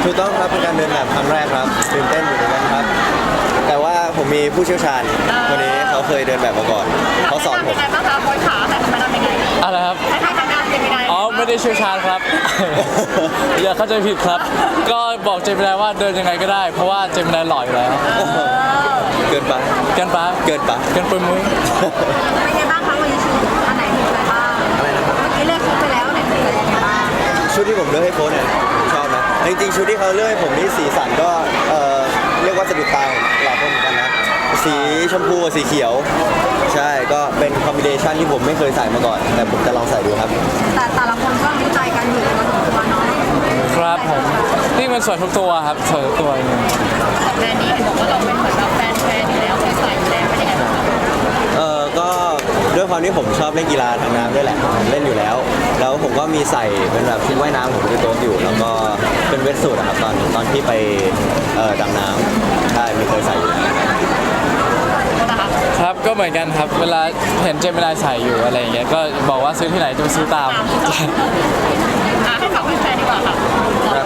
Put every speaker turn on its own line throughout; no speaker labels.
ถูกต้องครับเป็นการเดินแบบครั้งแรกครับตื่นเต้นอยู่เหมือนกันครับแต่ว่าผมมีผู้เชี่ยวชาญคนนี้เขาเคยเดินแบบมาก่อนเขาสอนผม
ยังไงบ้างคะโค้ชขาให้ทำยังไง
อะไรครับ
ให้ทำงานเป็นยังไง
อ๋อไม่ได้เชี่ยวชาญครับ อย่าเข้าใจผิดครับ ก็บอกเจมินายว่าเดินยังไงก็ได้ เพราะว่าเจมินายหล่ออยู่แล้ว
เกินไป
กันปะ
เกินไป
กันปุยมุ้ย
เป็นยังไงบ้างคะวันนี้ชุดอันไหนมีอะไรบ้าง
อะไรนะครับ
เมื่อกี้เลือกชุดไปแล้วไหนมีอะไรยังไงบ้าง
ชุดที่ผมเลือกให้โค้ชเนี่ยผมชอบนะจริงๆชุดที่เขาเลือกให้ผมนี่สีสันก็เรียกว่าสะดุดตาของหลายคนเหมือนกันนะสีชมพูกับสีเขียวใช่ก็เป็นคอมบิเนชันที่ผมไม่เคยใส่มาก่อนแต่ผมจะลองใส่ดูครับ
แต่ละคนก็รู้ใจกันอยู่พอสมควรเนาะ
ครับผมนี่มันสวยทุกตัวครับสวยทุกตัวจริง
แบรนด์นี้เห็นบอกว่าเราเป็นเหมือนแบบแฟนอยู่แล้วเคยใส่อยู่แล้วเป็นยังไงบ้างคะ
ก็ด้วยความที่ผมชอบเล่นกีฬาทางน้ำด้วยแหละเล่นอยู่แล้ว แล้วผมก็มีใส่เป็นแบบชุดว่ายน้ำผมที่โต๊ะอยู่ แล้วก็เป็นเวทสูทอะครับตอนที่ไปดำน้ำใช่ไม่เคยใส่อยู่แล้ว
ครับก็เหมือนกันครับเวลาเห็นเจมินายใส่อยู่อะไรอย่างเงี้ยก็บอกว่าซื้อที่ไหนจะไปซื้อตาม
ให้ฝากแฟนดีกว่าค่ะ
ครับ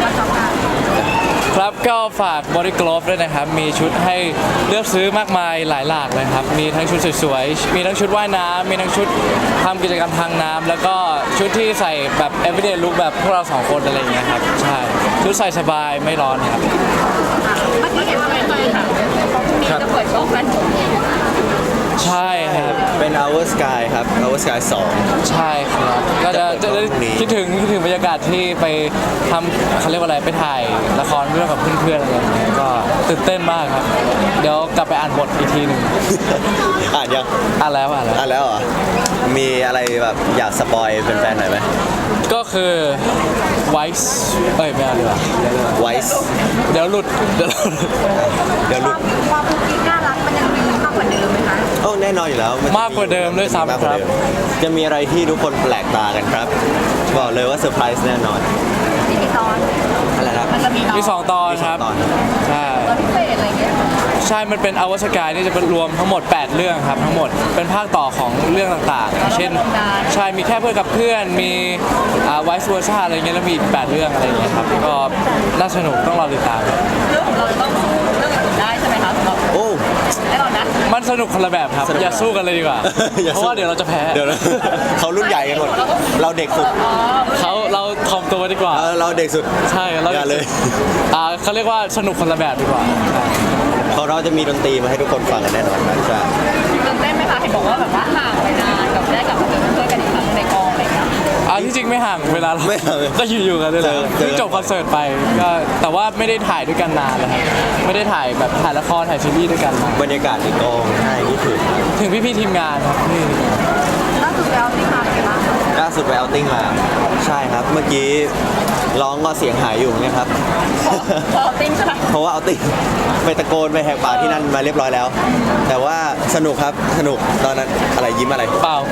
ครับก็ฝาก Body Glove ด้วยนะครับ มีชุดให้เลือกซื้อมากมายหลายหลากเลยครับ มีทั้งชุดสวยๆ มีทั้งชุดว่ายน้ำมีทั้งชุดทำกิจกรรมทางน้ำแล้วก็ชุดที่ใส่แบบ everyday look แบบพวกเราสองคนอะไรอย่างเงี้ยครับ ใช่ ชุดใส่สบายไม่ร้อนครับ
เมื่อกี้เห็นว่าเป็นแฟนค่ะมีจะเปิดโชว์แฟนผม
ใช่ครับ
เป็น Our Sky ครับ Our Sky 2
ใช่ครับก็จะได้คิดถึงบรรยากาศที่ไปทำเขาเรียกว่าอะไรไปถ่ายละครเรื่องกับเพื่อนๆอะไรอย่างเงี้ยก็ตื่นเต้นมากครับ เดี๋ยวกลับไปอ่านบทอีกทีหนึ่ง
อ่านยัง
อ่านแล้ว
อ่านแล้วเหรอมีอะไรแบบอยากสปอยเป็นแฟนๆหน่อยไหม
ก็คือไวส์ไม่เอาดีกว่า
Wise
เดี๋ยวหลุด
เดี๋ยวหลุด
ความคุกกี้น่ารักมันยังมีมากกว่าเดิมไหมคะ
โอ้แน่นอนอยู่แล้วนจะ
มากกว่าเดิมด้วยซ้ำ
มากกว่า
ครับ
เดิมจะมีอะไรที่ทุกคนแปลกตากันครับบอกเลยว่าเซอร์ไพรส์แน่นอน
ที่มีตอน
อะไรครับ
มันจะมี
มี 2 ตอน
มี
ค
สอ
รั
ง
บ
ตอน
ใช่
ตอนพิเศษอะไรเงี้ย
ใช่มันเป็นอวสกายนี่จะเป็นรวมทั้งหมด 8 เรื่องครับทั้งหมดเป็นภาคต่อของเรื่องต่างๆ เช่นใช่มีแค่เพื่อนกับเพื่อนมีไวส์เวอร์ชาอะไรเงี้ยแล้วมีอีก8เรื่องอะไรเงี้ยครับก็น่าสนุกต้องรอติดตาม
เรื่องของเราจะต้องสู้เรื่องอื่นได้ใช่ไหมคะสำหรับ
โอ้
แน่นอนนะ
มันสนุกคนละแบบครับ
สนุก
อย่าสู้กันเลยดีกว่า
อย่า
เพ
สู้
ราะว่าเดี๋ยวเราจะแพ้
เดี๋ยวนะ เขารุ่นใหญ่กันหมดเราเด็กสุด
เราทอมตัวดีกว่า
เราเด็กสุด
ใช่เรา
อย่าเลย
เขาเรียกว่าสนุกคนละแบบดีกว่า
เพราะเราจะมีดนตรีมาให้ทุกคนฟังกันแน่นอนครับใช่
ตื่นเต้นไหมคะเห็นบอกว่าแบบว่าห่างไปนานกับได้กลับมาเจอเพื่อนกันอีกครั้งในกองอะไรเงี้ย
ที่จริงไม่ห่างเวลาเรา
ไม่ห่าง
ก็อยู่ๆกันเลยแหละ
เจอ
เพิ่งจบคอนเสิร์ตไปก็แต่ว่าไม่ได้ถ่ายด้วยกันนานแล้วครับไม่ได้ถ่ายแบบถ่ายละครถ่ายซีรีส์ด้วยกันมา
บรรยากาศในกองใช่นี่ถึง
ถึงพี่ๆทีมงานครับนี่
ล่าสุดแล้วที่มาเป็นไงบ้าง
ล่าสุดไปเอาติ้งมาใช่ครับ เมื่อกี้ร้องก็เสียงหายอยู่เนี่ยครับ
พอติ้งใช่ไหม
เพราะว่าเอาติ้งไปตะโกนไปแหกปากที่นั่นมาเรียบร้อยแล้ว แต่ว่าสนุกครับสนุกตอนนั้นอะไรยิ้มอะไร
เปล่า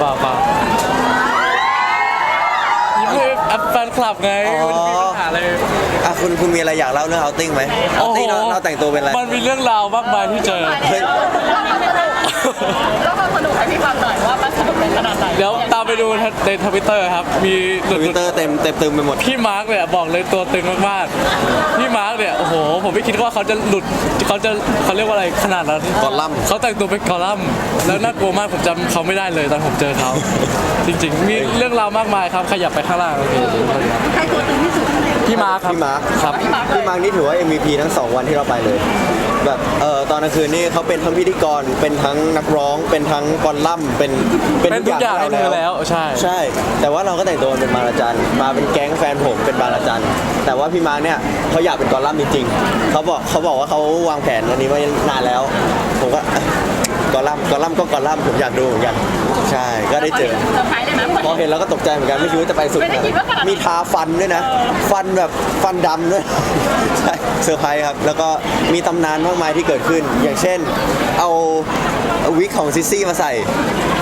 ยิ้มให้แฟนคลับไง
อ๋อ
มันมีปัญหาอะไร
คุณมีอะไรอยากเล่าเรื่องเอาติ้งไหมเอาติ้งเราแต่งตัวเป็นอะไร
มันมีเรื่องราวมากมายที่เจอ
เฮ้ย
แล้วความสนุกให้พี่ฟังหน่อยว่ามันสนุกในขนาดไหน
เดี๋ยวตามไปดูในทวิตเตอร์ครับ มีห
ท
ลุ
วิต
ด
เตอร์เต็มตึมไปหมด
พี่มาร์กเนี่ยบอกเลยตัวตึงมากๆพี่มาร์กเนี่ยโอ้โหผมไม่คิดว่าเขาจะหลุดเขาเรียกว่าอะไรขนาดนั้น
กอลัมน์
เขาแต่งตัวเป็นกอลัมน์แล้วน่ากลัวมากผมจำเขาไม่ได้เลยตอนผมเจอเขาจริงๆ มีเรื่องราวมากมายครับขยับไปข้างล่างโอเค
ใครตัวตึงที่สุด
พี่มาร์คครับ
พี่มาร์ค
ครับ
พี่มาร์คนี่ถือว่า MVP ทั้ง 2 วันที่เราไปเลย แบบตอนกลางคืนนี่เขาเป็นทั้งพิธีกรเป็นทั้งนักร้อง เป็นทั้งกอลัมน์เป็น
เป็นทุกอย่างให้เธอแล้วใช่
ใช่ แต่ว่าเราก็แต่งตัวเป็นบางระจันมาเป็นแก๊งแฟนผมเป็นบางระจันแต่ว่าพี่มาร์คเนี่ยเขาอยากเป็นกอลัมน์จริงๆเขาบอกว่าเขาวางแผนอันนี้มานานแล้ว ผมก็กอลัมน์ก็กอลัมน์ผมอยากดูเหมือนกันใช่ก็ได้เจอ
เซอร์ไพรส์เลยไหม
พอเห็นแล้วก็ตกใจเหมือนกันไม่คิดว่าจะไปสุด
ไม่ได้คิดว่าขนาดนั้น
มีทาฟันด้วยนะ ฟันแบบฟันดำด้วย ใช่เซอร์ไพรส์ครับ แล้วก็มีตำนานมากมายที่เกิดขึ้น อย่างเช่น เอาวิกของซิสซี่มาใส่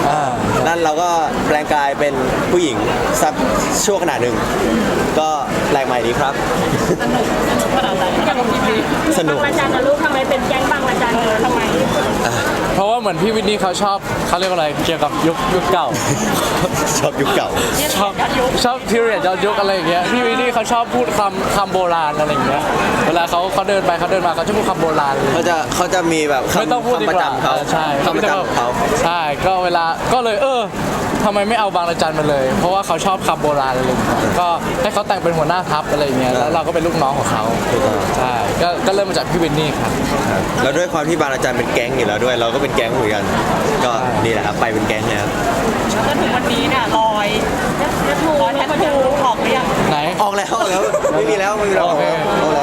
นั่นเราก็แปลงกายเป็นผู้หญิงสักชั่วขณะหนึ่งก็แปลกใหม่ดีครับ
สนุกขนาดไหนกับพี่บี
สนุก
บางระจันนะลูกทำไมเป็นแก๊งบางระจันทำไม
เพราะว่าเหมือนพี่วินนี่เขาชอบเขาเรียกว่าอะไรเกี่ยวกับยุคเก่า
ชอบยุคเก่า
ชอบพิเรียดย้อนยุคอะไรอย่างเงี้ยพี่วินนี่เขาชอบพูดคำโบราณอะไรอย่างเงี้ยเวลาเขาเดินไปเขาเดินมาเขาจะพูดคำโบราณเลย
เขาจะมีแบบ
ไม่ต้องพูดดี
คำประ
กว่า
จำเขา
ใช่
คำประจำเขา
ใช่ก็เวลาก็เลยทำไมไม่เอาบางระจันมาเลย เพราะว่าเขาชอบคำโบราณอะไรอย่างเงี้ยก็ให้เขาแต่งเป็นหัวหน้าทัพอะไรอย่างเงี้ยแล้วเราก็เป็นลูกน้องของเขาใช่ก็เริ่มมาจากพี่วินนี่ครับ
แล้วด้วยความที่บางระจันเป็นแก๊งอยู่แล้วด้วย เราก็เป็นแก๊งเหมือนกัน ก็นี่แหละครับไปเป็นแก๊งเลยครับ
จนถึงวันนี้เนี่ยรอยแทททูออกหรือยัง
ไหน
ออกแล้วไม่มีแล้วออกแล้ว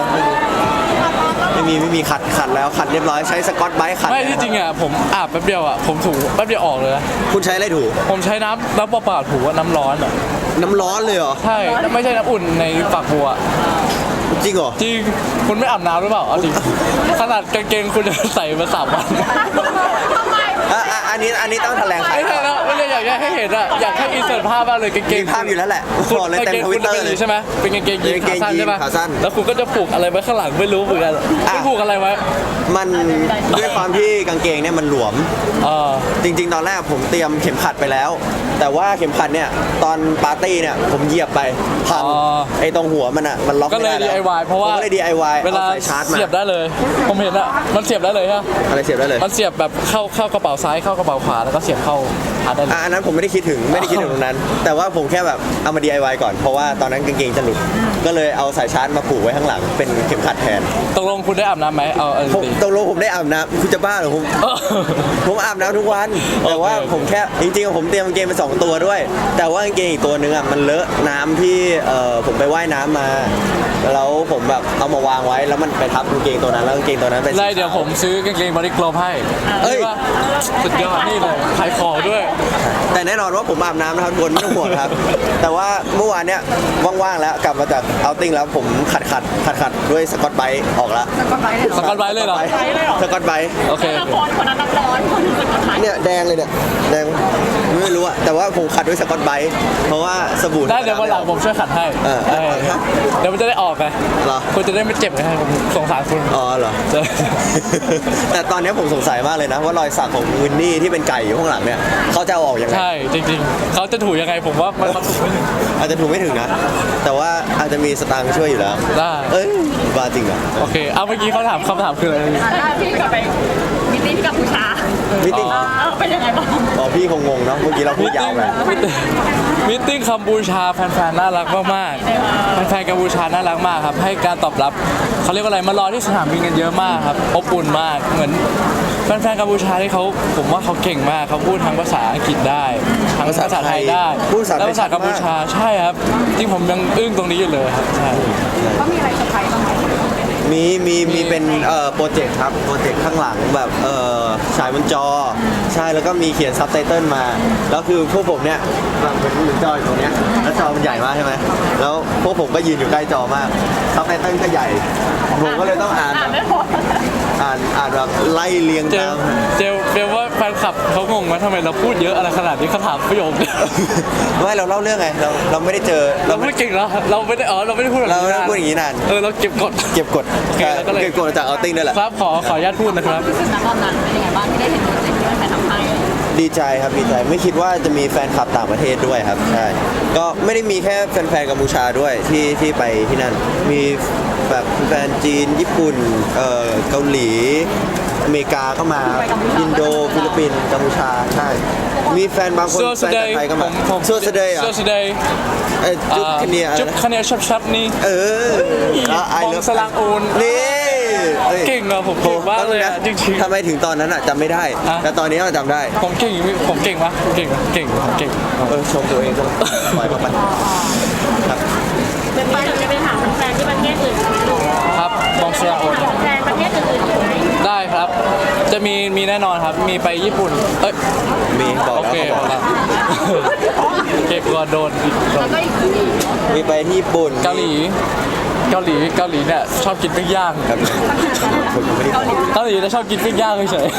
ไม่มีขัดแล้วขัดเรียบร้อยใช้สกอตไบรท์ขัด
ไม่ที่จริงอ่ะผมอาบแป๊บเดียวอ่ะผมถูแป๊บเดียวออกเลยนะ
คุณใช้อะไรถู
ผมใช้น้ำเปล่าๆถูว่าน้ำร้อนอ่ะ
น้ำร้อนเลยเหรอ
ใช่ไม่ใช่น้ำอุ่นในฝักบัว
จริงเหรอ
จริงคุณไม่อาบน้ำหรือเปล่าเอาจริงขนาดกางเกงคุณจะใส่มา3 วัน
อันนี้ต้องแถลงไข
ไม่ใช่แล้วไม่ได้อยากให้เห็นอ่ะอยากให้อินเสิร์ตภาพมากเลยกางเก
มี
ง
ภาพอยู่แล้วแหละบอกเลยเต็มทวิตเตอร์เลย
ใช่ไหมเป็นกางเกงยีน
เป็นกางเกง
ขาสั้นใช่ไหม
ยีนขาสั้น
แล้วคุณก็จะผูกอะไรไว้ข้างหลังไม่รู้เหมือนกันคุณผูกอะไรไว้
มันด้วยความที่กางเกงเนี่ยมันหลวม
เออ
จริงๆ ตอนแรกผมเตรียมเข็มขัดไปแล้ว แต่ว่าเข็มขัดเนี่ยตอนปาร์ตี้เนี่ยผมเหยียบไปพังไอ้ตรงหัวมันอ่ะมันล็อก
ก็
ไม่
เลย
ได้แล้ว
DIY เพราะว่า
ผมก็เลย DIY
เวลา
เอาสายชาร์จมา
เสียบได้เลย ผมเห็นอ่ะมันเสียบได้เลยฮะ
อะไรเสียบได้เลย
มันเสียบแบบเข้ากระเป๋าซ้ายเข้ากระเป๋าขวาแล้วก็เสียบเข้าหาได้เลย
อันนั้นผมไม่ได้คิดถึงตรงนั้น แต่ว่าผมแค่แบบเอามา DIY ก่อนเพราะว่าตอนนั้นกางเกงจะหลุดก็เลยเอาสายชาร์จมาผูกไว้ข้างหลังเป็นเข็มขัดแทน
ตกลงคุณได้อาบน้ำไหมเอาจ
ผม
ริง
ตกลงผมได้อาบน้ำคุณจะบ้าเหรอผมอาบน้ำทุกวัน แต่ว่า
โอเค
ผมแค่จริงๆผมเตรียมกางเกงไป2 ตัวด้วย แต่ว่ากางเกงอีกตัวนึงอ่ะมันเลอะน้ำที่ผมไปว่ายน้ำมา แล้วผมแบบเอามาวางไว้แล้วมันไปทับกางเกงตัวนั้นแล้วกางเกงตัวนั้นเป็นสี
ได้เดี๋ยวผมซื้อกางเกงบอดี้กลอให้
เอ้ย
ว่าสุดยอดนี่เลยขายของด้วย
แต่แน่นอนว่าผมอาบน้ำนะครับทุกคนไม่ต้องห่วงครับ แต่ว่าเมื่อวานเนี้ยว่างๆแล้วกลับมาจากเอาติ้งแล้วผมขัดด้วยสกอตไบรท์ออกแล้ว
สกอตไบรท์เลยเหรอ
สกอตไบรท์
โอเค
คนนั้นน้ำร้อนคนนึงเป็นคน
เนี่ยแดงเลยเนี่ยแดงไม่รู้อะแต่ว่าผมขัดด้วยสกอตไบรท์เพราะว่าสบู่
ได้เดี๋ยววันหลังผมช่วยขัดให้
เออ
เดี๋ยวมันจะได้ออกไง
เหรอ
คุณจะได้ไม่เจ็บไงผมสงสารคุณ
อ๋อเหรอ
จะ
แต่ตอนนี้ผมสงสัยมากเลยนะว่ารอยสักของวินนี่ที่เป็นไก่อยู่ข้างหลังเนี่ยเขาจะเอาออกยังไง
ใช่จริงๆเขาจะถูยังไงผมว่ามันถูกไม่ถึง
อาจจะถูกไม่ถึงนะ แต่ว่าอาจจะมีสตางค์ช่วยอยู่แล้ว
ได้
เอ้ยบ้าจริงเหรอ
โอเคเอาเมื่อกี้เขาถามคำถามคืออะไร
พี่กลับไปมิตติ้งที่กัมพูชา
มิติ้ง
เป็นยังไงบ้าง
อ๋อพี่คงงงเนาะเมื่อกี้เราพูดยาวไป
มิทติ้งกัมพูชาแฟนๆน่ารักมากๆแฟนๆกัมพูชาน่ารักมากครับให้การตอบรับเขาเรียกว่าอะไรมารอที่สนามบินกันเยอะมากครับอบอุ่นมากเหมือนแฟนๆกัมพูชาที่เขาผมว่าเขาเก่งมากเขาพูดทั้งภาษาอังกฤษได้ทั้งภาษาไทยได้
พูดภาษาไทย
และภาษากัมพูชาใช่ครับที่ผมยังอึ้งตรงนี้อยู่เลยครับใช่
เขามีอะไรเซอร์ไพรส์บ้างไหม
มีเป็นโปรเจกต์ครับโปรเจกต์ข้างหลังแบบฉายบนจอใช่แล้วก็มีเขียนซับไตเติลมาแล้วคือพวกผมเนี่ยแบบเหมือนจออยู่ตรงเนี้ยแล้วจอมันใหญ่มากใช่ไหมแล้วพวกผมก็ยืนอยู่ใกล้จอมากซับไตเติลก็ใหญ่ผมก็เลยต้องอ่าน
ไม่พอ
อ่านแบบไล่เรียง
เจ
ตา
ล
ม
เจลว่าแฟนคลับเขางงไหมทำไมเราพูดเยอะอะไรขนาดนี้เขาถามประโยคเดียว
ไม่เราเล่าเรื่องไงเราไม่ได้เจอ
เราไม่เก่งแล้วเราไม่ได้เราไม่ได้พูดแบบ
เราไม่ได้
นาน
พูดอย่างนี้นาน
เราเก็บกด
เก็บกด
โอเคแล้วก็เลย
เก็บกดจากเอาติ้งด้วยแหละ
ครับขออนุญาตพูดนะครับ
รู้สึกนะตอนนั้นเป็นยังไงบ้างที่ได้เห็นโปรเจกต์ที่มันไปทำให้
ดีใจครับดีใจไม่คิดว่าจะมีแฟนคลับต่างประเทศด้วยครับใช่ก็ไม่ได้มีแค่แฟนๆกัมพูชาด้วยที่ไปที่นั่นมีแบบแฟนจีนญี่ปุ่นเกาหลีอเมริกาก็มาอินโดฟิลิปปินส์กัมพูชาใช่มีแฟนบางคน
เสื้อ
แฟน
สเด
จาก
ย์
ไทยก็มา
ผม
เสื้อสเดย์อ่ะ
เสื้อสเดย์
จุ๊บคะเนียอะไร
จุ๊บ
นะ
คะเนียชับนี่
เออไอ
มอง
เลิฟ
สลังอูน
นี่อ้ย
เก่งอะผมเก่งมากเลยอะจริงๆ
ทำไมถึงตอนนั้นอ่ะจำไม่ได้
อ่ะ
แต่ตอนนี้เราจำได้
ผมเก่งปะเก่งผมเก่ง
ชมตัวเองก็ปล่อยเข้าไปครับ
เป็นไปจะไปหาแฟนที่ประเทศอื่น
ครับมองสลังอูน
แฟนประเทศอื่นอยู่ไหม
ได้ครับ จะมีแน่นอนครับมีไปญี่ปุ่นเอ้ย
มีบอก
โอ
แล้ว
เค
เขาบอก
เก็บก่อนโดนอีก
แล้วก็อีกที
มีไปที่ญี่ปุ่น
เกาหลีเนี่ยชอบกินปิ้งย่าง
ครับผมไม่ได้บอก
เกาหลีเนี่ยชอบกินปิ้งย่างเฉย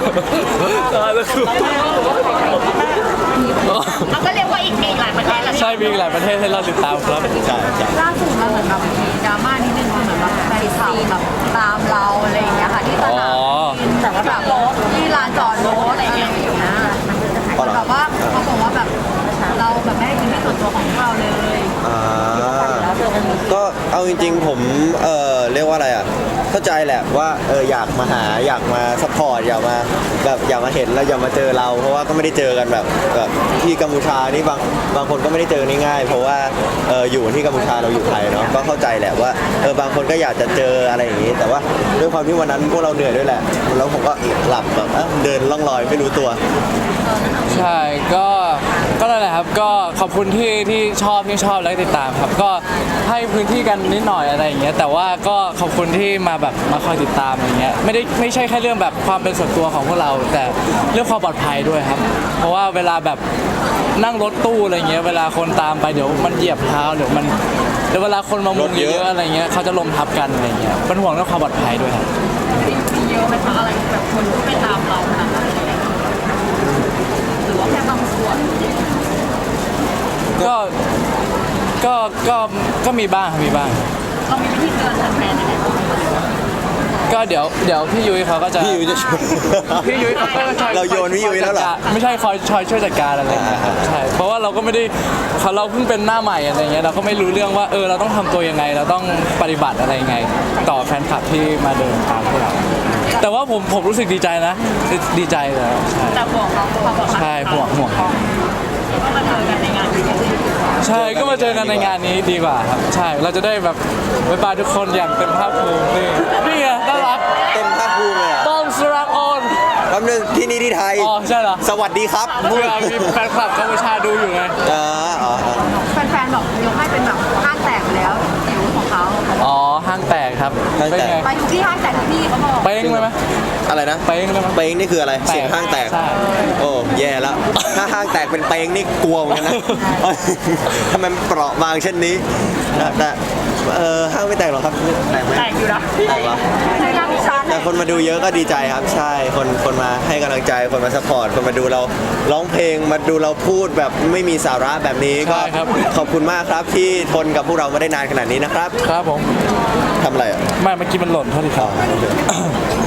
ๆตายแล้วคือ
เราก็เรียกว่าอีกหลายประเทศแล้ว
ใช่มีอีกหลายประเทศให้เราติดตามครับ
ใช่ใช่
ล่าสุดมันเหมือนแบบมีดราม่านิดนึงคือเหมือนแบบแฟนคลับแบบตามเราอะไรอย่างเงี้ยค่ะที่สนามบินแต่ว่าแบบรถที่ลานจอดรถอะไรอย่างเงี้ยนะ
อ๋อเหรอ
แบบว่าเขาบอกว่าแบบเราแบบไม่ได้เป็นที่ส่วนตัวของเราเลย
อ่าก็เอาจริงๆผมเรียกว่าอะไรอ่ะเข้าใจแหละว่าอยากมาหาอยากมาซัพพอร์ตอยากมาแบบอยากมาเห็นแล้วอยากมาเจอเรา เพราะว่าก็ไม่ได้เจอกันแบบที่กัมพูชานี่บางคนก็ไม่ได้เจอง่ายๆเพราะว่าอยู่ที่กัมพูชาเราอยู่ไทยเนาะก็เข้าใจแหละว่าบางคนก็อยากจะเจออะไรอย่างนี้ แต่ว่าด้วยความที่วันนั้นพวกเราเหนื่อยด้วยแหละแล้วผมก็หลับแบบเดินล่องลอยไม่รู้ตัว
ใช่ก็นั่นแหละครับก็ขอบคุณที่ชอบและติดตามครับก็ให้พื้นที่กันนิดหน่อยอะไรอย่างเงี้ยแต่ว่าก็ขอบคุณที่มาคอยติดตามอะไรเงี้ยไม่ใช่แค่เรื่องแบบความเป็นส่วนตัวของพวกเรา แต่เรื่องความปลอดภัยด้วยครับ เพราะว่าเวลาแบบนั่งรถตู้อะไรเงี้ยเวลาคนตามไปเดี๋ยวมันเหยียบเท้าเดี๋ยวเวลาคนมามุงเยอะๆอะไรเงี้ยเขาจะล้มทับกันอะไรเงี้ยเป็นห่วงเรื่องความปลอดภัยด้วยครับ
มีเยอะไหมคะอะไรแบบคนที่ไม่ตามเราขนาดนั้นหรือว่าแค่บางส่วน
ก็มีบ้างครับมีบ้าง
เรามีวิธีเตือนแฟนๆยังไงบ้าง
ก็เดี๋ยวพี่ยุ้ยเขาก็จะ
พี่ยุ้ยจะช่วย
พี่ยุ้ยเขาก็จะ
เราโยนพี่ยุ้ยแล้วเหรอ
ไม่ใช่คอยช่วยจัดการอะไรอย่างเงี้ยครับใช่เพราะว่าเราก็ไม่ได้เราเพิ่งเป็นหน้าใหม่อะไรเงี้ยเราก็ไม่รู้เรื่องว่าเราต้องทำตัวยังไง เราต้องปฏิบัติอะไรยังไง ต่อแฟนคลับที่มาเดินตามพวกเราแต่ว่าผมรู้สึกดีใจนะดีใจเลยใช่
แต่ห่วงเราความปลอดภัย
ใช่ห่วง
ก็มาเจอกันในงานนี้
ใช่ก็มาเจอกันในงานนี้ดีกว่าครับใช่เราจะได้แบบบ๊ายบายทุกคนอย่างเต็มภาคภูมินี่ไงน่ารัก
เต็มภาคภูมิเลยอ่ะ
ต้อมสรักออน
แป๊บนึงที่นี่ที่ไทย
อ๋อใช่เหรอ
สวัสดีครับ
เพื่อมีแฟนคลับกัมพูชาดูอยู่ไง
อ๋อ
แฟนๆบอกยกให้เป็นแบบห้างแตกแล้วจิ๋วของเขา
อ๋อห้างแตกครับ
ห้างแตก
เป็นไง
ไปทุกที่ห้างแตกทุกที่เขาบอก
เป้งเลยไหม
อะไรนะ
เป้งเลยไหม
เป้งนี่คืออะไร เสียงห้างแตก
ใช่
โอ้แย่แล้ว ถ้าห้างแตกเป็นเป้งนี่กลัวเหมือนกันนะ ทำไมมันเปราะบางเช่นนี้แต่ห้างไม่แตกหรอกครับแตกไหม
แตกอยู่นะ
แตกเหรอ
ในงานพิชา
แต่คนมาดูเยอะก็ดีใจครับ ใช่คนมาให้กำลังใจคนมาสปอร์ตคนมาดูเราร้องเพลงมาดูเราพูดแบบไม่มีสาระแบบนี้ก็
ใช่ครับ
ขอบคุณมากครับที่ทนกับพวกเรามาได้นานขนาดนี้นะครับ
ครับผม
ทำอะไรอ่ะ
ไม่เมื่อกี้มันหล่นเท่าที่ครับ
โอเค